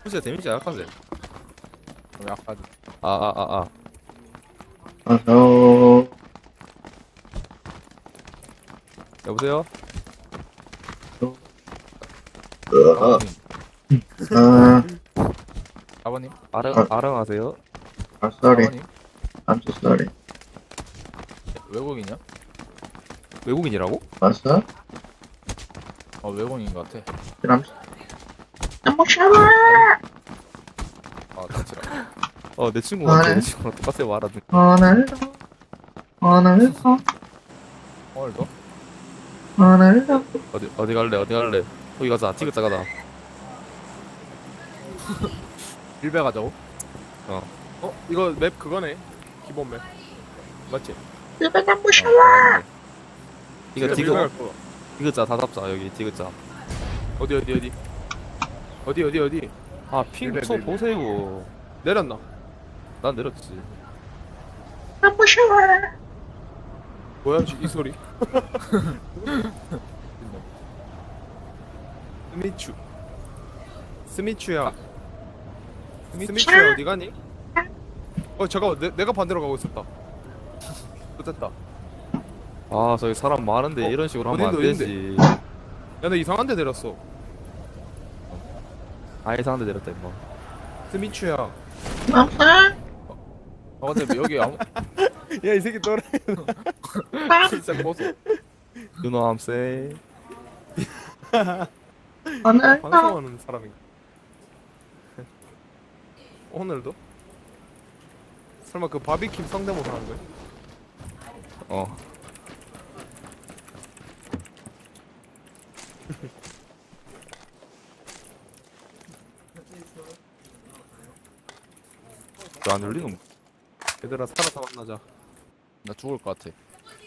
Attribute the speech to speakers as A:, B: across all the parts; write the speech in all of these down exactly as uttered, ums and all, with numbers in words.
A: 진짜 데미지 약하세.
B: 약하지.
A: 아 아 아 아.
C: 어서
A: 여보세요?
B: 아버님.
C: 아
B: 아버님.
A: 아릉
C: 아.
A: 아릉하세요?
C: I'm sorry.
B: 아버님.
C: I'm so sorry.
B: 외국인이야?
A: 외국인이라고?
C: 봤어?
B: 어 외국인인 것 같아.
C: 그럼 너무 샤워.
B: 아 같이라.
A: 어 내 친구 같아.
C: 아,
A: 내 친구랑 똑같아 말하는.
C: 오늘도 오늘도
B: 오늘도?
C: 오늘도
A: 어디 어디 갈래? 어디 갈래? 거기 가자. 티그자 가자.
B: 일배 가자고?
A: 어.
D: 어? 이거 맵 그거네. 기본 맵. 맞지?
C: 집에 너무 샤워.
A: 이거
D: 지금
A: 티그
D: 일배 갈 거.
A: 티그자 다 잡자 여기 티그자.
D: 어디 어디 어디? 어디 어디 어디?
A: 아핑
D: 밀배,
A: 쳐
D: 밀배.
A: 보세요.
D: 내렸나?
A: 난 내렸지.
C: 너무 샤워.
D: 뭐야 이 소리? 스미추. 스미추야. 스미추야 어디 가니? 어 잠깐만 내, 내가 반대로 가고 있었다. 됐다.
A: 아 저기 사람 많은데
D: 어,
A: 이런 식으로 하면 안
D: 어딘데,
A: 되지.
D: 야 나 이상한 데 내렸어.
A: 아예 상대 내렸다 임마.
D: 스미추야.
C: 없어.
B: 아 근데 여기 아무
D: 야 이 새끼 또래. 진짜 고소.
A: You know I'm saying?
C: 오늘도
D: 방송하는 사람인가? 오늘도? 설마 그 바비킴 성대모사 하는 거야?
A: 어. 왜 안 열리노?
D: 얘들아 살아서 만나자.
B: 나 죽을 것 같아.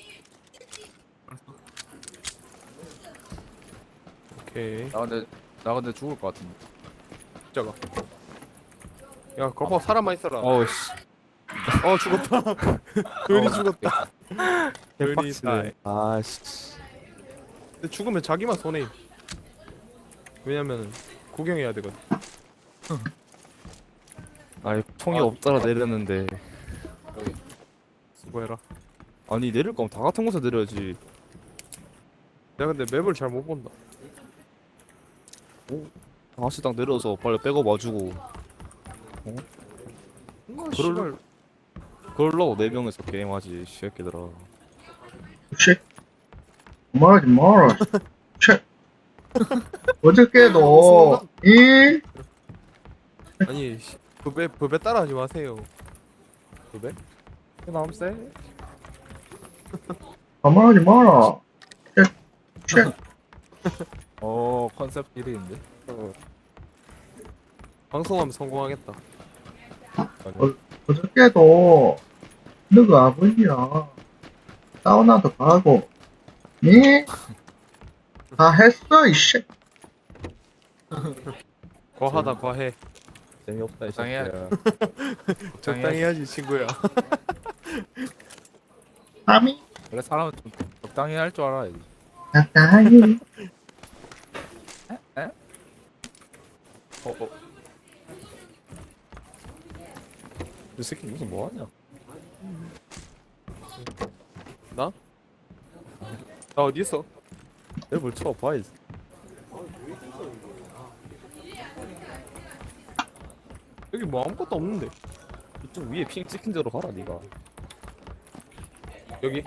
D: 오케이.
B: 나 근데 나 근데 죽을 것 같은데.
D: 저거. 야 거봐 사람만 있어라. 어,
A: 어우 씨.
D: 죽었다. 괜히 죽었다. 괜히
A: 대박치네. 아씨.
D: 근데 죽으면 자기만 손해. 왜냐면 구경해야 되거든.
A: 아니 총이
B: 아.
A: 없더라 내렸는데.
B: 여기.
D: 수고해라.
A: 아니 내릴 거면 다 같은 곳에 내려야지.
D: 내가 근데 맵을 잘 못 본다.
A: 다시 딱 내려서 빨리 백업 와주고.
D: 뭔가
A: 그럴-
D: 씨발
A: 그러려고 네 명이서 게임하지 이 새끼들아.
C: 씨. 말하지 마라. 씨. 어저께도 이
D: 아니 씨, 그배 그배 따라하지 마세요. 그배?
A: You know I'm saying?
C: 말하지 마라. 씨. 씨.
B: 어 컨셉 일 위인데.
D: 방송하면 성공하겠다.
C: 어저께도 너그 아버지야 사우나도 가고 니? 다 했어 이씨.
D: 과하다 과해.
A: 재미없다 이
B: 적당히 해.
A: 새끼야.
D: 적당히 해야지 친구야.
C: 아미
B: 원래 사람은 좀 적당히 할 줄 알아야지.
C: 적당히
A: 어 어. 이 새끼 무슨 뭐하냐?
D: 나? 나 어디 있어?
A: 랩을 쳐 봐야지.
D: 여기 뭐 아무것도 없는데.
A: 이쪽 위에 핑 찍힌 대로 가라 니가.
D: 여기?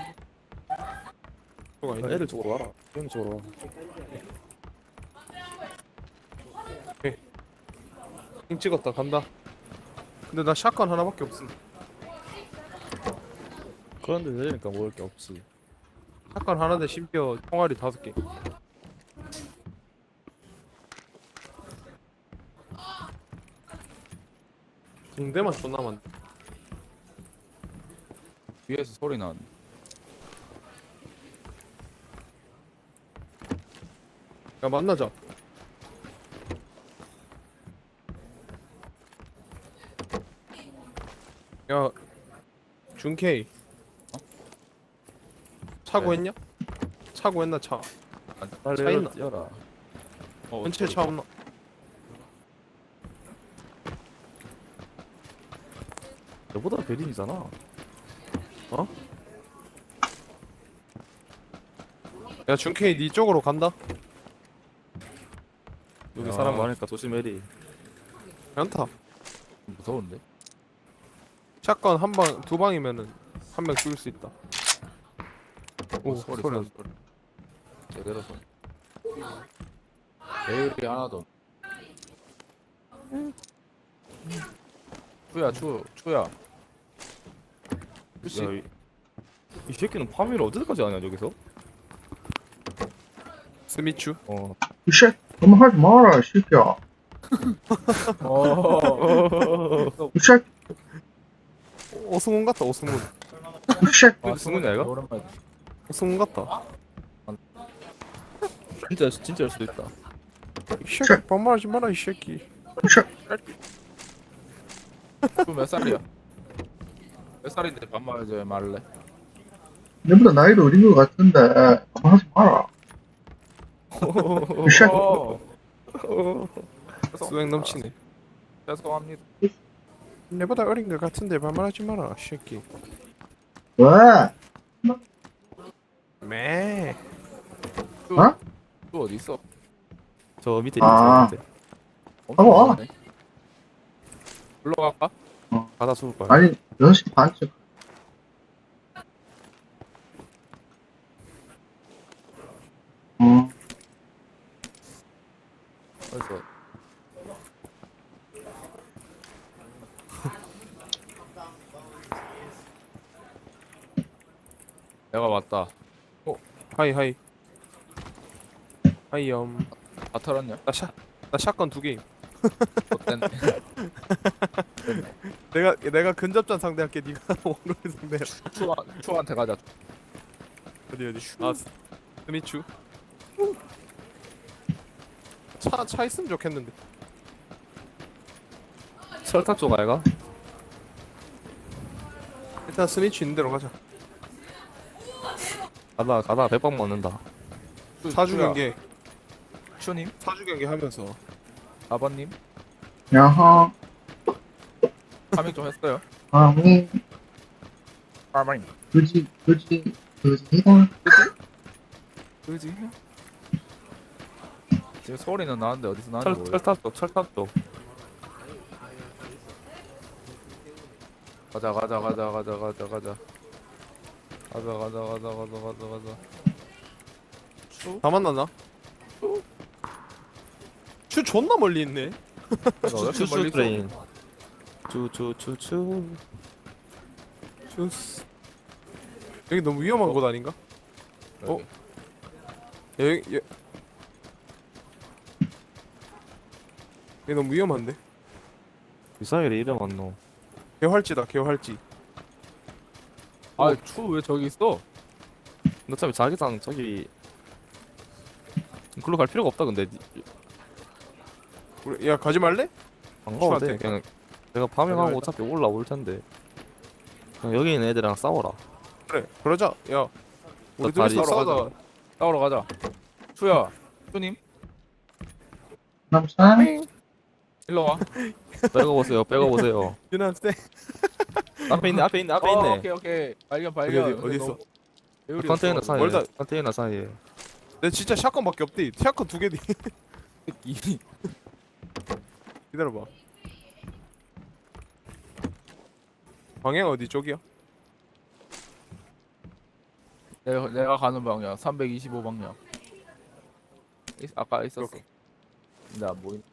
D: 저거 아니야?
A: 애들 쪽으로 와라. 형 쪽으로 와.
D: 핑 찍었다 간다. 근데 나 샷건 하나밖에 없음.
A: 그런데 내리니까 먹을 게 없지.
D: 샷건 하나인데 심지어 총알이 다섯 개. 붕대만 존나 많네.
B: 위에서 소리 나는.
D: 야 만나자. 야 준케이 차고
B: 네.
D: 했냐? 차고 했나 차?
A: 빨리
D: 차 있나?
A: 뛰어라.
B: 어,
D: 전체 차 없나?
A: 너보다 베린이잖아. 어?
D: 야 준케이 니 쪽으로 간다.
A: 여기
B: 야.
A: 사람 많으니까 조심해리.
D: 괜찮다.
B: 무서운데?
D: 샷건 한 방 두 방이면은 한 명 죽일 수 있다. 오
B: 오, 소리,
D: 소리.
B: 소리, 소리. 제대로 소리. 배율이 하나도. 추야, 추, 추야. 추씨.
A: 야, 이, 이 새끼는 파밍을 어디까지 하냐 저기서?
D: 스미추.
A: 어.
C: 이 새끼, 그만 하지 마라, 이 새끼야.
B: 어.
C: 이 새끼,
D: 오승훈 같다 오승훈.
C: 이 새끼.
A: 아, 승훈이 아이가?
B: 오랜만에.
D: 오승훈 같다.
A: 진짜 진짜일 수도 있다.
D: 이 새끼 반말하지 마라 이 새끼.
C: 이 새끼.
B: 추몇 살이야? 몇 살인데 반말 이제 말래?
C: 내보다 나이도 어린 것 같은데, 그만 하지 마라. 이 새끼.
B: 어.
D: 수행 넘치네.
B: 죄송합니다.
D: 내보다 어린 것 같은데 반말하지 마라 이 새끼.
C: 왜?
D: 매.
B: 추,
C: 어?
B: 추 어디 있어?
A: 저 밑에
C: 아.
A: 있는
B: 엄청
C: 와.
B: 많네. 올라갈까?
A: 바다 죽을 거야.
C: 아니, 여섯 시 반쯤. 어,
B: 그래서 내가 왔다.
D: 하이 하이. 하이엄.
B: 다 털었냐?
D: 나 샷. 나 샷건 두 개.
B: 어땠네.
D: 내가 내가 근접전 상대할게. 네가 원거리 상대.
B: 추 추한테 가자.
D: 어디 어디. 아 스- 스미추. 차 차 있으면 좋겠는데.
A: 철탑 쪽 아이가?
D: 일단 스미추 있는 대로 가자.
A: 가다 가다 백방 맞는다.
B: 추,
D: 사주
B: 추야.
D: 경기
B: 추님,
D: 사주 경기 하면서
B: 아버님,
C: 야하,
B: 파밍 좀 했어요.
C: 아미,
B: 아버님.
C: 그지, 그지, 그지다.
B: 그지? 지금 소리는 나는데 어디서 나는지
A: 철
B: 모르겠어.
A: 철탑 쪽 철탑 쪽.
B: 가자 가자 가자 가자 가자 가자. 가자 가자 가자 가자 가자 가자. 추?
D: 다 만났나? 추 존나 멀리 있네.
B: 내가 왜 이렇게
A: 추추
B: 멀리 있어?
A: 트레인. 추추추추.
D: 추스. 여기 너무 위험한 곳 아닌가?
B: 여기.
D: 야, 여기 여... 여기 너무 위험한데?
A: 미사일이 이름 안 넣어.
D: 개활지다 개활지.
B: 아, 추 왜 저기 있어?
A: 근데 어차피 자기장 저기 글로 갈 필요가 없다 근데
D: 우리, 야 가지 말래?
A: 안 가도 돼.
D: 추한테.
A: 그냥 내가 파밍하고
D: 내가
A: 어차피 올라올 텐데. 그냥 여기 있는 애들이랑 싸워라.
D: 그래 그러자. 야 우리
A: 나
D: 둘이서
A: 다리
D: 싸우다가
B: 싸우러 가자. 추야, 추님,
C: 남산,
B: 일로 와.
A: 빼고 보세요. 빼고 보세요.
D: 유난세.
A: 앞에 있네. 앞에 있네. 앞에
B: 어,
A: 있네.
B: 오케이 오케이. 발견
D: 어디
B: 발견.
D: 어디 어디 있어?
B: 배율이
A: 컨테이너
B: 없어.
A: 사이에.
D: 멀다.
A: 컨테이너 사이에.
D: 내 진짜 샷건밖에 없대. 샷건 두 개디.
B: 이-
D: 기다려봐. 방향 어디 쪽이야?
B: 내가 내가 가는 방향 삼백이십오 방향. 있, 아까 있었어.
D: 오케이.
B: 근데 안 보인.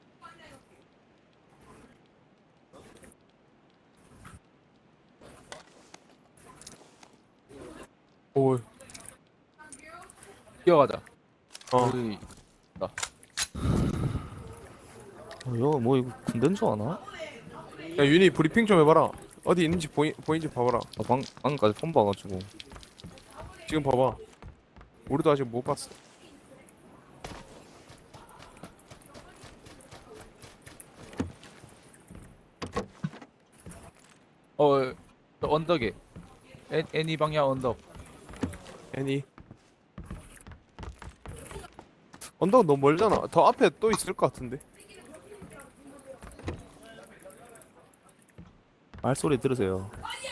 D: 오.
B: 뛰어가자.
D: 어.
B: 우리
A: 어, 이거 뭐 이거 군대인 줄 아나?
D: 야 윤희 브리핑 좀 해봐라. 어디 있는지 보이 보이는지 봐봐라.
A: 아, 방 방금까지 폰 봐가지고.
D: 지금 봐봐. 우리도 아직 못 봤어.
B: 어 저 언덕에 애, 애니 방향 언덕.
D: 애니. 언덕 너무 멀잖아. 더 앞에 또 있을 것 같은데.
A: 말소리 들으세요.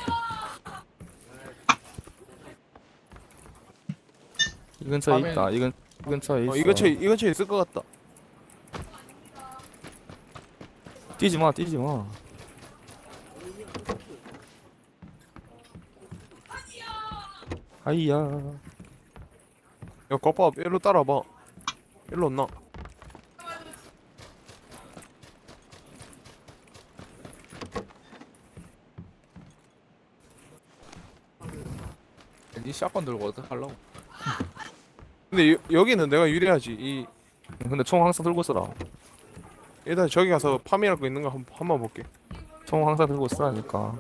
A: 이 근처에
B: 화면-
A: 있다. 이, 근, 이 근처에 있어.
D: 어, 이 근처에 이 근처에 있을 것 같다.
A: 뛰지 마, 뛰지 마. 아이야.
D: 야, 거봐, 일로 따라봐. 일로 온나?
B: 니 샷건 들고 어떡 하려고?
D: 근데 여, 여기는 내가 유리하지. 이
A: 근데 총 항상 들고 있어라.
D: 일단 저기 가서 파밍할 거 있는 거 한, 한번 볼게.
A: 총 항상 들고 있으라니까.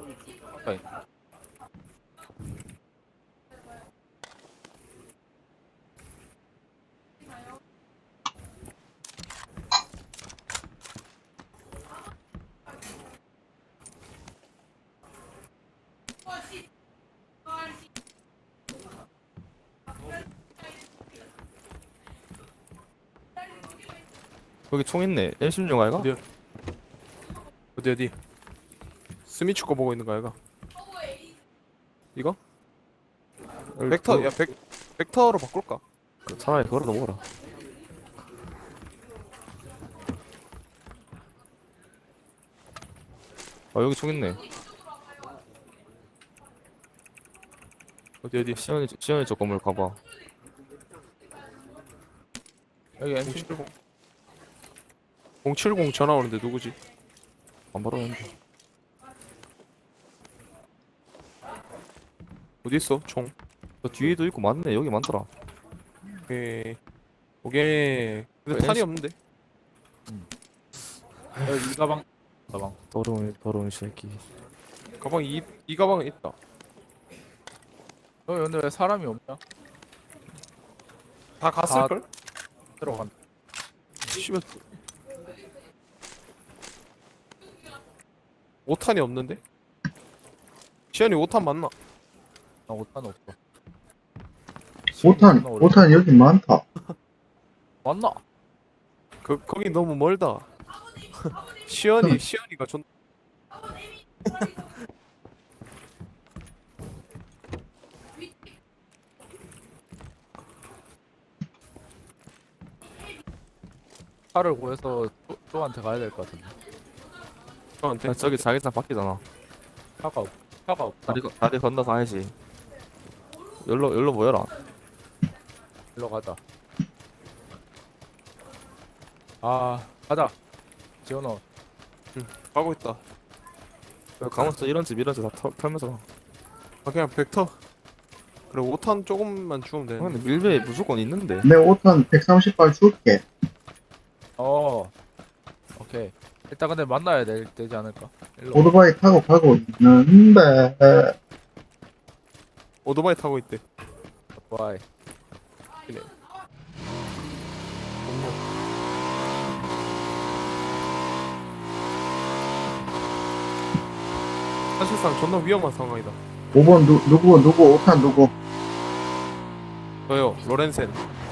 A: 여기 총 있네. 엠 십육 아이가?
D: 어디야? 어디 어디? 스미추 거 보고 있는 거 아이가? 이거? 벡터, 야 벡, 벡터로 바꿀까?
A: 그 차라리 그거라도 먹어라. 아 여기 총 있네.
D: 어디 어디?
A: 시연이 시연이 저 건물 가봐.
B: 여기 엠씨
D: 공칠공 공칠공 전화 오는데 누구지?
A: 안 받았는데.
D: 어디 있어? 총.
A: 저 뒤에도 있고 많네. 여기 많더라.
D: 오케이. 오케이. 근데 탄이 없는데?
B: 여기 이 가방 가방.
A: 더러운 더러운 새끼.
D: 가방 이, 이 가방에 있다.
B: 여기 근데 왜 사람이 없냐?
D: 다 갔을걸?
B: 들어간다.
D: 씨발. 오 탄이 없는데? 시현이 오 탄 맞나?
B: 나 오탄 없어.
C: 오탄, 오탄 여기 많다.
B: 맞나?
D: 그 거기 너무 멀다. 시현이 시현이가 존
B: 차를 구해서 쪼, 쪼한테 가야 될 것 같은데.
D: 저한테
A: 아, 저기 자기장 바뀌잖아.
B: 차가 없. 차가 없다.
A: 다리 건- 다리 건너서 가야지. 열로 열로 모여라.
B: 일로 가자. 아 가자. 지원아.
D: 가고 있다.
A: 여기 가면서 이런 집 이런 집 다 털면서 가.
D: 아 그냥 벡터. 그래 오 탄 조금만 주면
A: 아,
D: 돼.
A: 근데 밀배에 무조건 있는데.
C: 내 오탄 백삼십 발 줄게.
B: 어. 오케이. 일단 근데 만나야 될, 되지 않을까? 일로.
C: 오토바이 타고 가고 있는데,
D: 오토바이 타고 있대.
B: 와이.
D: 그래. 사실상 존나 위험한 상황이다.
C: 오 번 누, 누구, 누구, 오탄 누구.
D: 저요 로렌센.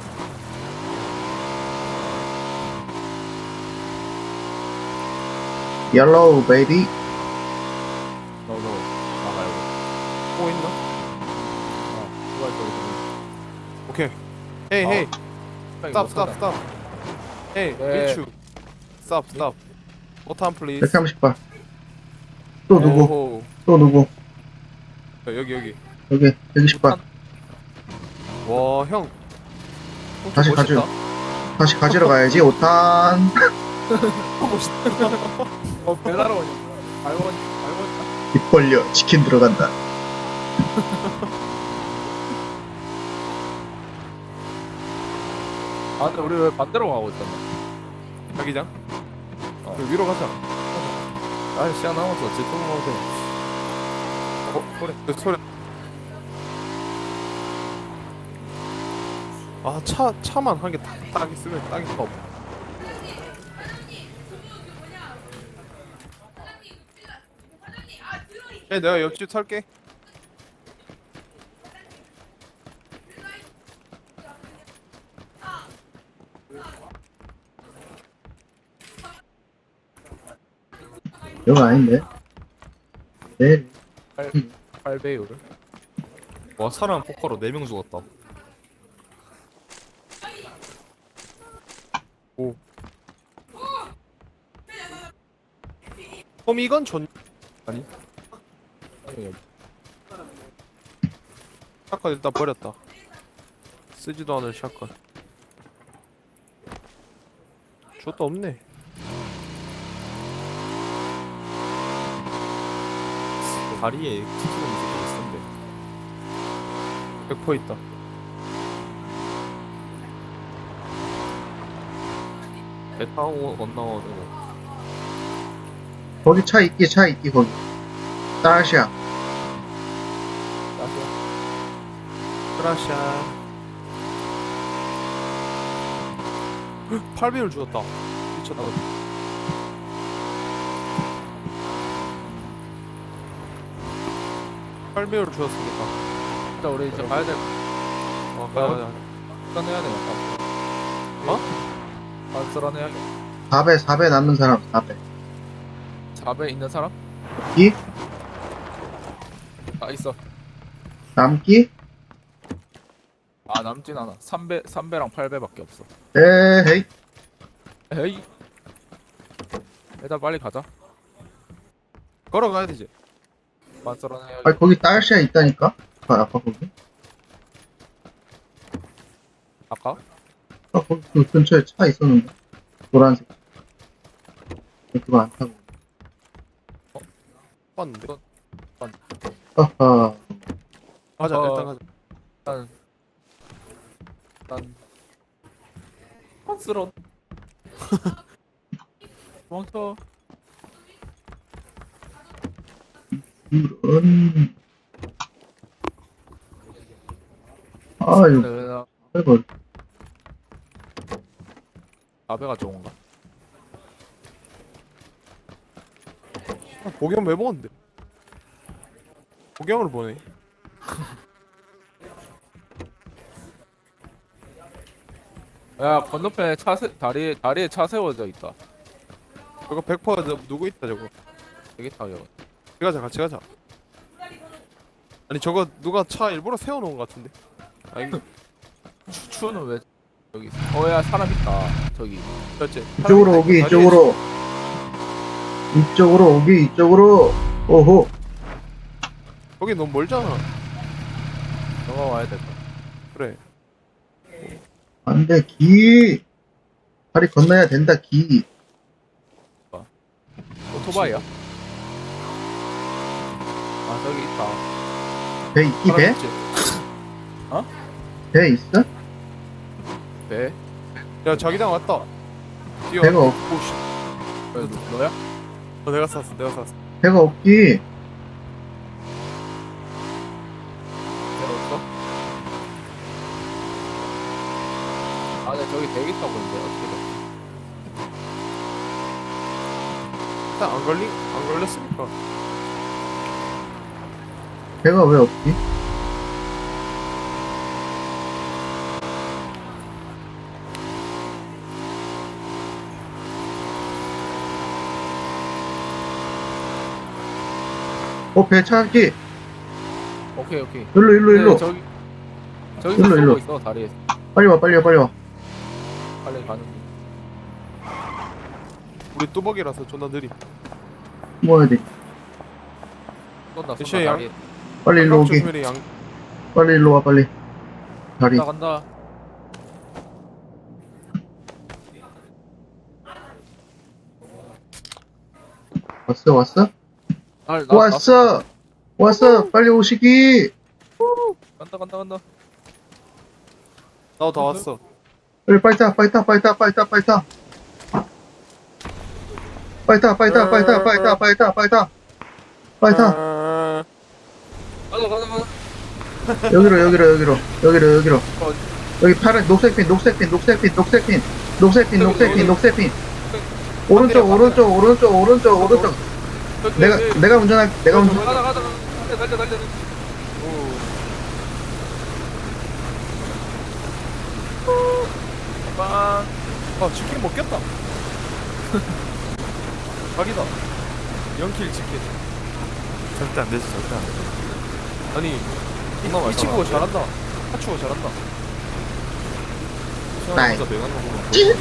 C: 옐로우 베이비.
B: 너너 나가 여기.
D: 뭐 있나?
B: 어. 누가 있어 여기.
D: 오케이. 헤이 헤이.
B: 여기
D: 스탑
B: 못
D: 스탑
B: 찾아.
D: 스탑. 헤이
B: 네.
D: 미추. 스탑 스탑. 오탄 플리즈.
C: 백삼십 발. 또 누구,
D: 오호.
C: 또 누구.
D: 야, 여기 여기.
C: 여기, 백이십 발.
D: 와 형. 형
C: 다시
D: 멋있다.
C: 가져. 다시 가지러 가야지, 오탄.
D: 멋있다.
B: 어 배달 오니. 알고 알고.
C: 입 벌려, 치킨 들어간다.
B: 아 근데 우리 왜 반대로 가고 있었나?
D: 자기장.
B: 어.
D: 그 위로 가자.
A: 아 시간 남았어. 지금 먹어도 돼.
D: 어 소리. 그 소리. 아차 차만 한 개 딱 있으면 딱이가 없어. 야, 내가 옆집 탈게.
C: 여기 아닌데? 네.
B: 팔 배율.
A: 와 사람 포커로 네 명 죽었다.
D: 그럼 이건 전 아니 샷건 일단 버렸다. 쓰지도 않을 샷건. 저도 없네.
A: 다리에 티키는 새끼 있었는데.
D: 백 퍼센트 있다.
A: 배 타고 건너가지고.
C: 거기 차 있기, 차 있기, 거기. 따시야.
D: 크라샤. 팔 배율 주었다. 미쳤다. 팔 배율 주었으니까.
B: 일단 우리 이제 가야 될.
D: 어, 가자, 가자.
B: 썰어내야 되겠다.
D: 어?
B: 아, 썰어내야.
C: 사 배, 사 배 남는 사람, 사 배.
B: 사 배 있는 사람?
C: 이?
B: 아, 있어.
C: 남기?
B: 아, 남진 않아. 삼 배, 삼 배랑 팔 배밖에 없어.
C: 에헤이.
B: 에이. 일단 빨리 가자.
D: 걸어가야 되지.
B: 만 썰어내야.
C: 아, 거기 따시야 있다니까? 아, 아까 거기?
B: 아까?
C: 아, 거기 그 근처에 차 있었는데. 노란색. 그거 안 타고.
D: 봤는데.
C: 하하.
D: 가자,
B: 어.
D: 일단 가자.
B: 난, 난, 빤스러. 도망쳐.
C: 이런. 아, 이거,
B: 내가
C: 이거.
B: 사 배가 좋은가?
D: 아, 복영 왜 먹었는데? 복영을 보네.
B: 야, 건너편에 차 세, 다리에, 다리에 차 세워져 있다.
D: 저거 백 퍼센트 누구 있다 저거.
B: 되게 타요.
D: 같이 가자, 같이 가자. 아니 저거 누가 차 일부러 세워놓은 것 같은데. 아니
B: 추추는 왜 여기 있어? 어, 야, 사람 있다. 저기.
D: 그렇지.
C: 이쪽으로 오기, 이쪽으로. 이쪽으로 오기, 이쪽으로. 오호.
D: 거기 너무 멀잖아.
B: 너가 와야 될 거야.
D: 그래.
C: 안 돼, 기. 다리 건너야 된다, 기.
B: 오토바이야? 아, 저기 있다.
C: 배 있기, 배?
D: 있지?
C: 배 있어?
B: 배?
D: 야 자기장 왔다. 뛰어.
C: 배가 없,
D: 오씨.
B: 왜, 너- 너야?
D: 어, 내가 쐈어, 내가 쐈어.
C: 배가 없기.
B: 배 없어? 아, 네, 저기 대기 타고 있는데, 어떻게 돼?
D: 일단 안 걸리, 안 걸렸으니까.
C: 배가 왜 없기? 어, 배 찾기.
B: 오케이, 오케이.
C: 일로, 일로, 일로.
B: 네, 저기, 저기서
C: 일로,
B: 쏘고
C: 일로.
B: 있어, 다리에서.
C: 빨리 와, 빨리 와, 빨리 와.
B: 빨리 가는 중.
D: 우리 뚜벅이라서 존나 느림.
C: 모아야 돼.
B: 쏜다, 쏜다,
D: 대시야,
B: 다리.
C: 빨리 일로 오기.
D: 조심해라, 양.
C: 빨리 일로 와, 빨리. 다리.
B: 간다, 간다.
C: 왔어, 왔어?
B: 날, 나,
C: 왔어! 왔어! 빨리 오시기!
B: 나, 간다, 간다, 간다.
D: 나도 다 왔어.
C: 빨리, 빨리 타, 빨리 타, 빨리 타, 빨리 타, 빨리 타. 빨리 타, 빨리 타, 빨리 타, 빨리 타, 빨리 타, 빨리 타. 빨리 타.
D: 아,
B: 가자, 가자, 가자.
C: 여기로, 여기로, 여기로. 여기로, 여기로. 여기 파란, 녹색 핀, 녹색 핀, 녹색 핀, 녹색 핀. 녹색 핀, 녹색 핀, 녹색 핀. 오른쪽, 오른쪽, 오른쪽, 오른쪽, 오른쪽.
B: 저기,
C: 내가,
B: 저기.
C: 내가 운전할, 내가 운전.
B: 가자, 가자, 가자. 달려, 달려, 달려. 빵.
D: 아 치킨 먹겠다. 각이다. 영킬 치킨.
A: 절대 안 되지 절대 안 돼.
D: 아니
A: 존나
D: 이,
A: 많이
D: 이 친구가
A: 살아.
D: 잘한다. 하추가 잘한다.
C: 나이.
A: 진짜 내가 하는 거 보면
C: 찌!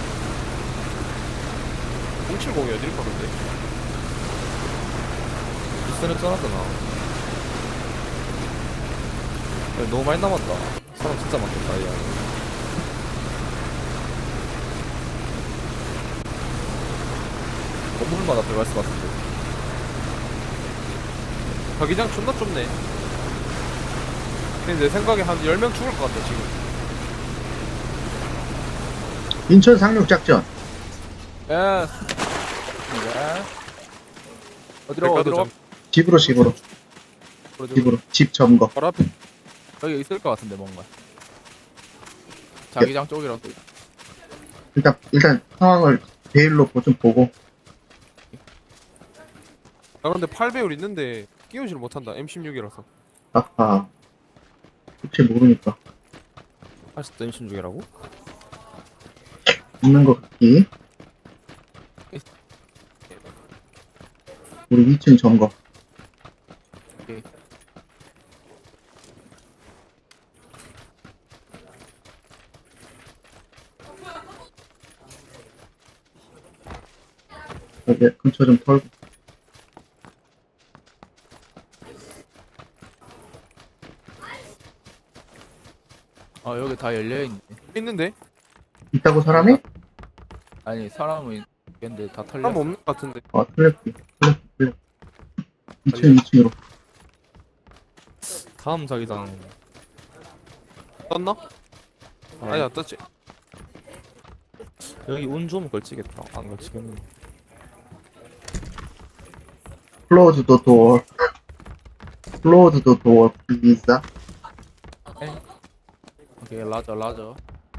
D: 공칠공이 어디를 파는데?
A: 비슷한 쩌놨잖아. 야, 너무 많이 남았다. 사람 진짜 많겠다 이 안에. 건물마다 들어갈 것 같은데.
D: 자기장 존나 좁네. 근데 내 생각에 한 열 명 죽을 것 같다 지금.
C: 인천 상륙작전.
D: 예. 어디로 어디로?
C: 집으로, 집으로, 집으로. 집 점거.
D: 바로 앞에.
B: 여기 있을 것 같은데 뭔가. 자기장 쪽이라서.
C: 일단, 일단 상황을 베일로 보- 좀 보고.
D: 나 근데 팔 배율 있는데 끼우지를 못한다. 엠 십육이라서.
C: 아하. 혹시 모르니까.
A: 아직도 임신 중이라고?
C: 있는 것 같기. 우리 이 층 점거.
B: 오케이.
C: 여기 근처 좀 털고.
B: 아 여기 다 열려 있네.
D: 있는데?
C: 있다고 사람이?
B: 아니 사람은 있는데 다 털려.
D: 사람 없는 것 같은데.
C: 아, 틀렸지. 틀렸지, 틀렸지. 이 층, 이 층으로.
A: 다음 자기장
D: 떴나? 아니 안 떴지.
A: 여기 운 좋으면 걸치겠다. 안 걸치겠네.
C: Close the door. Close the door, please.
B: 오케이 라저 라저.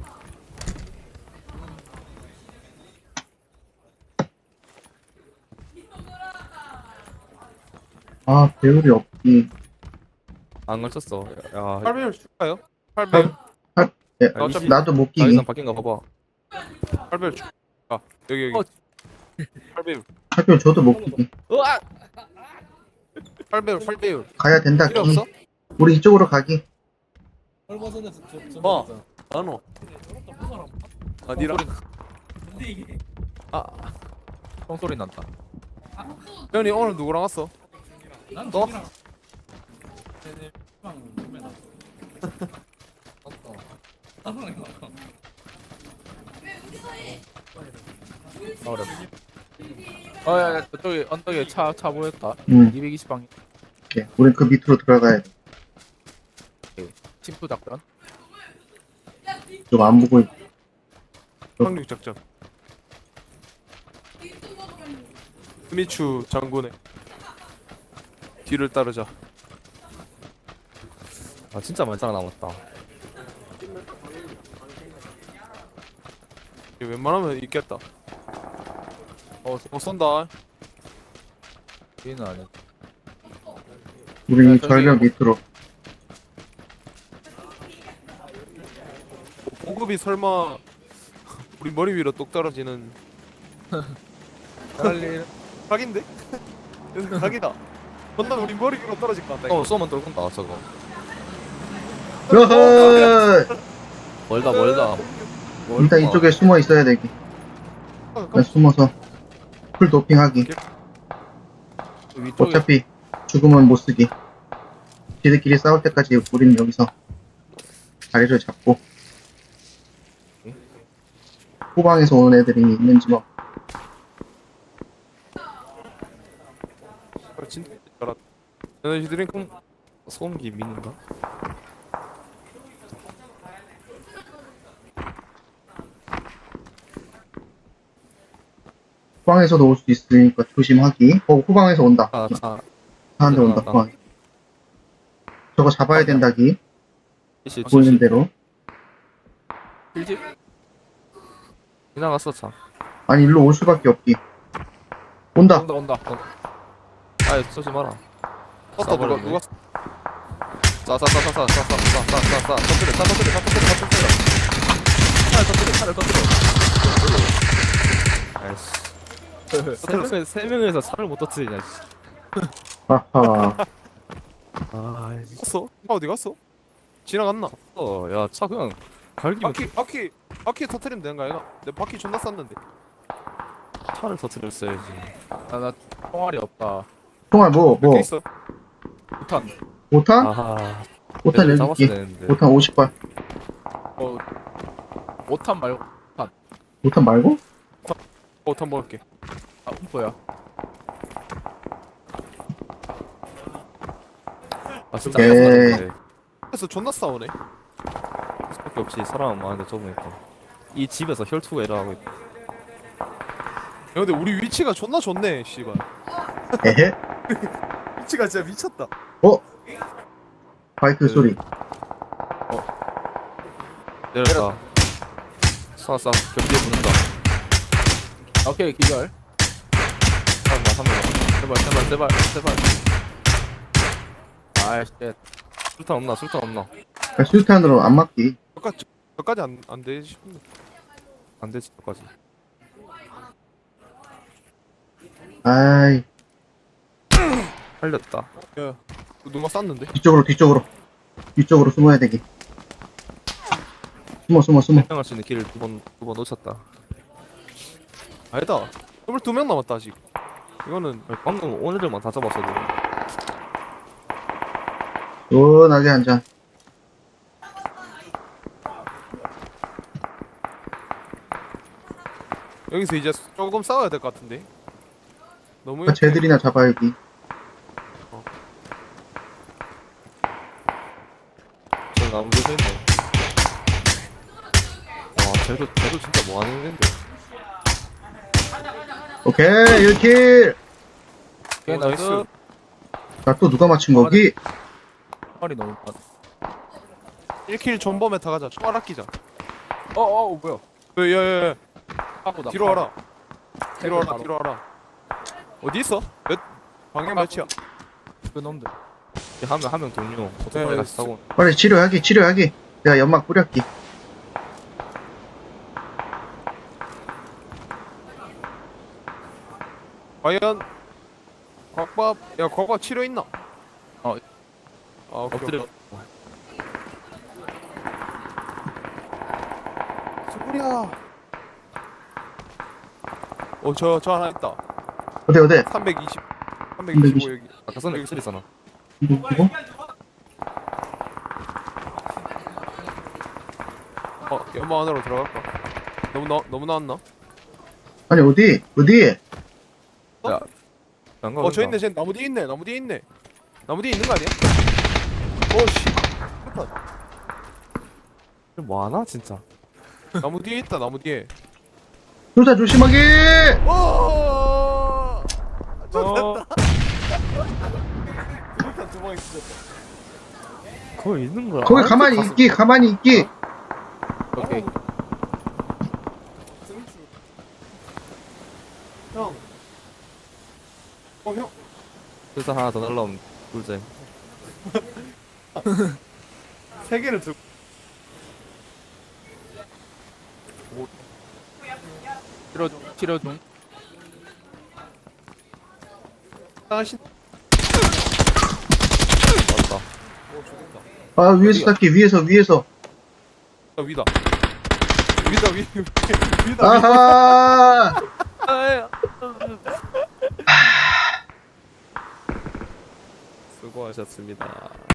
C: 아, 배율이 없기.
A: 안 걸쳤어. 야,
D: 팔 배율 줄까요? 팔 배율.
C: 예,
A: 아,
C: 어차피
A: 이십-
C: 나도 못 끼기.
A: 자기장 바뀐 거 봐봐.
D: 팔 배율 줄. 아 여기 여기.
B: 어.
D: 팔 배율.
C: 학교 저도 못 끼기.
B: 으아!
D: 팔 배율 팔 배율.
C: 가야 된다,
D: 필요
C: 끼.
D: 없어?
C: 우리 이쪽으로 가기.
D: 어. 나노. 아니라.
B: 아 총소리 난다.
D: 현이 오늘 누구랑 왔어? 너?
B: 어렵. 어야 저쪽에 언덕에 차 차 보였다.
C: 응.
B: 이백이십 방향.
C: 오케이. 우린 그 밑으로 들어가야 돼.
B: 침투 작전.
C: 좀 안 보고 있-
D: 상륙 작전. 스미추 장군의 뒤를 따르자.
A: 아 진짜 말짱 남았다.
D: 이게 웬만하면 있겠다. 어, 어 쏜다.
B: 얘는 아니야.
C: 우리
D: 야, 저기-
C: 절벽 밑으로.
D: 보급이 설마 우리 머리 위로 똑 떨어지는
B: 빨리.
D: 각인데? 각이다. 건너 우리 머리 위로 떨어질 것 같다.
A: 어 쏘면 떨군다 저거.
C: 으허!
A: 멀다 멀다.
C: 일단 이쪽에 숨어 있어야 되기.
D: 이거.
C: 일단 숨어서 풀 도핑하기.
B: 위쪽에
C: 어차피 죽으면 못 쓰기. 지들끼리 싸울 때까지 우리는 여기서 자리를 잡고 후방에서 오는 애들이 있는지 뭐.
D: 아, 진짜 잘한다. 에너지 드링크.
A: 소음기 미는가?
C: 후방에서도 올 수 있으니까 조심하기. 어, 후방에서 온다.
A: 아, 아,
C: 사한테 온다.
A: 나왔다.
C: 후방. 저거 잡아야 된다기.
A: 이씨
C: 보이는 대로.
B: 일집.
A: 지나갔어 차.
C: 아니, 일로 올 수밖에 없기. 온다.
B: 온다 온다.
A: 아 쏘지 마라.
D: 떴다 누가 누가
A: 싸싸싸싸싸싸싸싸싸싸 터뜨려 차 터뜨려 차 터뜨려 차 터뜨려.
B: 차를 터뜨려 차를 터뜨려.
A: 아이씨. 세 명에 세 명에서 차를 못 터뜨리냐. 씨.
C: 아하.
A: 아,
D: 갔어? 차 어디 갔어? 지나갔나?
A: 어, 야, 차 그냥 갈기면
D: 바퀴 바퀴 바퀴 터트리면 되는 거 아이가? 내 바퀴 존나 쌌는데.
A: 차를 터뜨렸어야지.
B: 아나 총알이 없다.
C: 총알 뭐,
D: 몇
C: 뭐,
D: 개 있어?
B: 우탄.
C: 오 탄?
A: 아하,
C: 오 탄
A: 얘를
C: 여기
A: 잡았어야
C: 있기.
A: 되는데.
C: 오 탄 오십 발.
B: 어 오탄 말고
C: 오 탄 말고?
D: 어, 한 먹을게.
B: 아 음포야.
A: 아, 진짜
C: 오케이.
A: 하나도
D: 그래서 존나 싸우네.
A: 수밖에 없이 사람 많은데 좁으니까. 이 집에서 혈투가 일어나고 있다.
D: 야, 근데 우리 위치가 존나 좋네, 씨발.
C: 에헤.
D: 위치가 진짜 미쳤다.
C: 어? 바이크
A: 네.
C: 소리.
A: 내렸다. 쏴, 쏴. 벽 뒤에 붙는다.
B: 오케이 기절.
A: 한 명, 한 명.
B: 제발 제발 제발 제발. 아이씨.
A: 술탄 없나, 술탄 없나.
C: 야, 수류탄으로 안 맞기.
D: 저까지 저까지 안 안 되지 싶은데.
A: 안 되지, 저까지.
C: 아이,
A: 살렸다.
D: 야, 누가 쌌는데?
C: 뒤쪽으로, 뒤쪽으로. 뒤쪽으로 숨어야 되기. 숨어, 숨어, 숨어.
A: 생각할 수 있는 길을 두 번, 두 번 놓쳤다.
D: 아니다. 스물두 명 남았다 아직. 이거는
A: 아니, 방금 오늘들만 다 잡았어도.
C: 시원하게 한 잔.
D: 여기서 이제 조금 싸워야 될 것 같은데. 너무
C: 아, 쟤들이나 잡아야지.
A: 저 나무 뒤에 서 있네. 와, 쟤도, 쟤도 진짜 뭐 하는 애인데.
C: 오케이, 일 킬.
B: 오케이
D: 오,
B: 나이스.
D: 나이스.
C: 자, 또 누가 맞춘 거기?
B: 총알이 너무 많아.
D: 일 킬 존버메 타 가자. 총알 아끼자.
B: 어어 뭐야?
D: 야야야.
B: 하고 나
D: 뒤로
B: 팔.
D: 와라. 뒤로 와라.
B: 바로.
D: 뒤로 와라. 어디 있어? 몇 방향 몇이야?
B: 그 놈들.
A: 한 명, 한 명 동료. 오토바이
D: 네,
A: 같이 타고.
C: 빨리 치료하기, 치료하기. 내가 연막 뿌렸기.
D: 과연 곽밥 야 곽밥 치료 있나?
B: 어.
D: 아 오케이,
A: 엎드려.
D: 오케이. 소리야. 어저 저 하나 있다.
C: 어디, 어디?
D: 삼백이십 삼백이십오 여기.
A: 아까 전에 그 소리잖아.
C: 이거, 이거?
D: 어 연마 안으로 들어갈까? 너무 나 너무 나왔나?
C: 아니, 어디? 어디?
A: 안 가,
D: 어 저
A: 안 가.
D: 있네 쟤 나무 뒤에 있네 나무 뒤에 있네. 나무 뒤에 있는 거 아니야? 오씨.
A: 뭐 하나, 진짜.
D: 나무 뒤에 있다 나무 뒤에.
C: 수류탄 조심하게!
D: 오.
A: 어,
D: 일단 두방 있어.
A: 거기 있는 거야.
C: 거기
A: 아,
C: 가만히
A: 가서-
C: 있기, 가만히 있기.
B: 오케이.
D: 형. 어 형.
A: 술탄 하나 더 날라오면 꿀잼.
D: 세 개를 들고.
B: 치료 중 치료 중.
D: 하신.
A: 맞다.
D: 오 좋겠다.
C: 아, 위에서 닦기, 위에서, 위에서.
D: 아 위다. 위다 위 위- 위다. 위.
C: 아하!
A: 수고하셨습니다.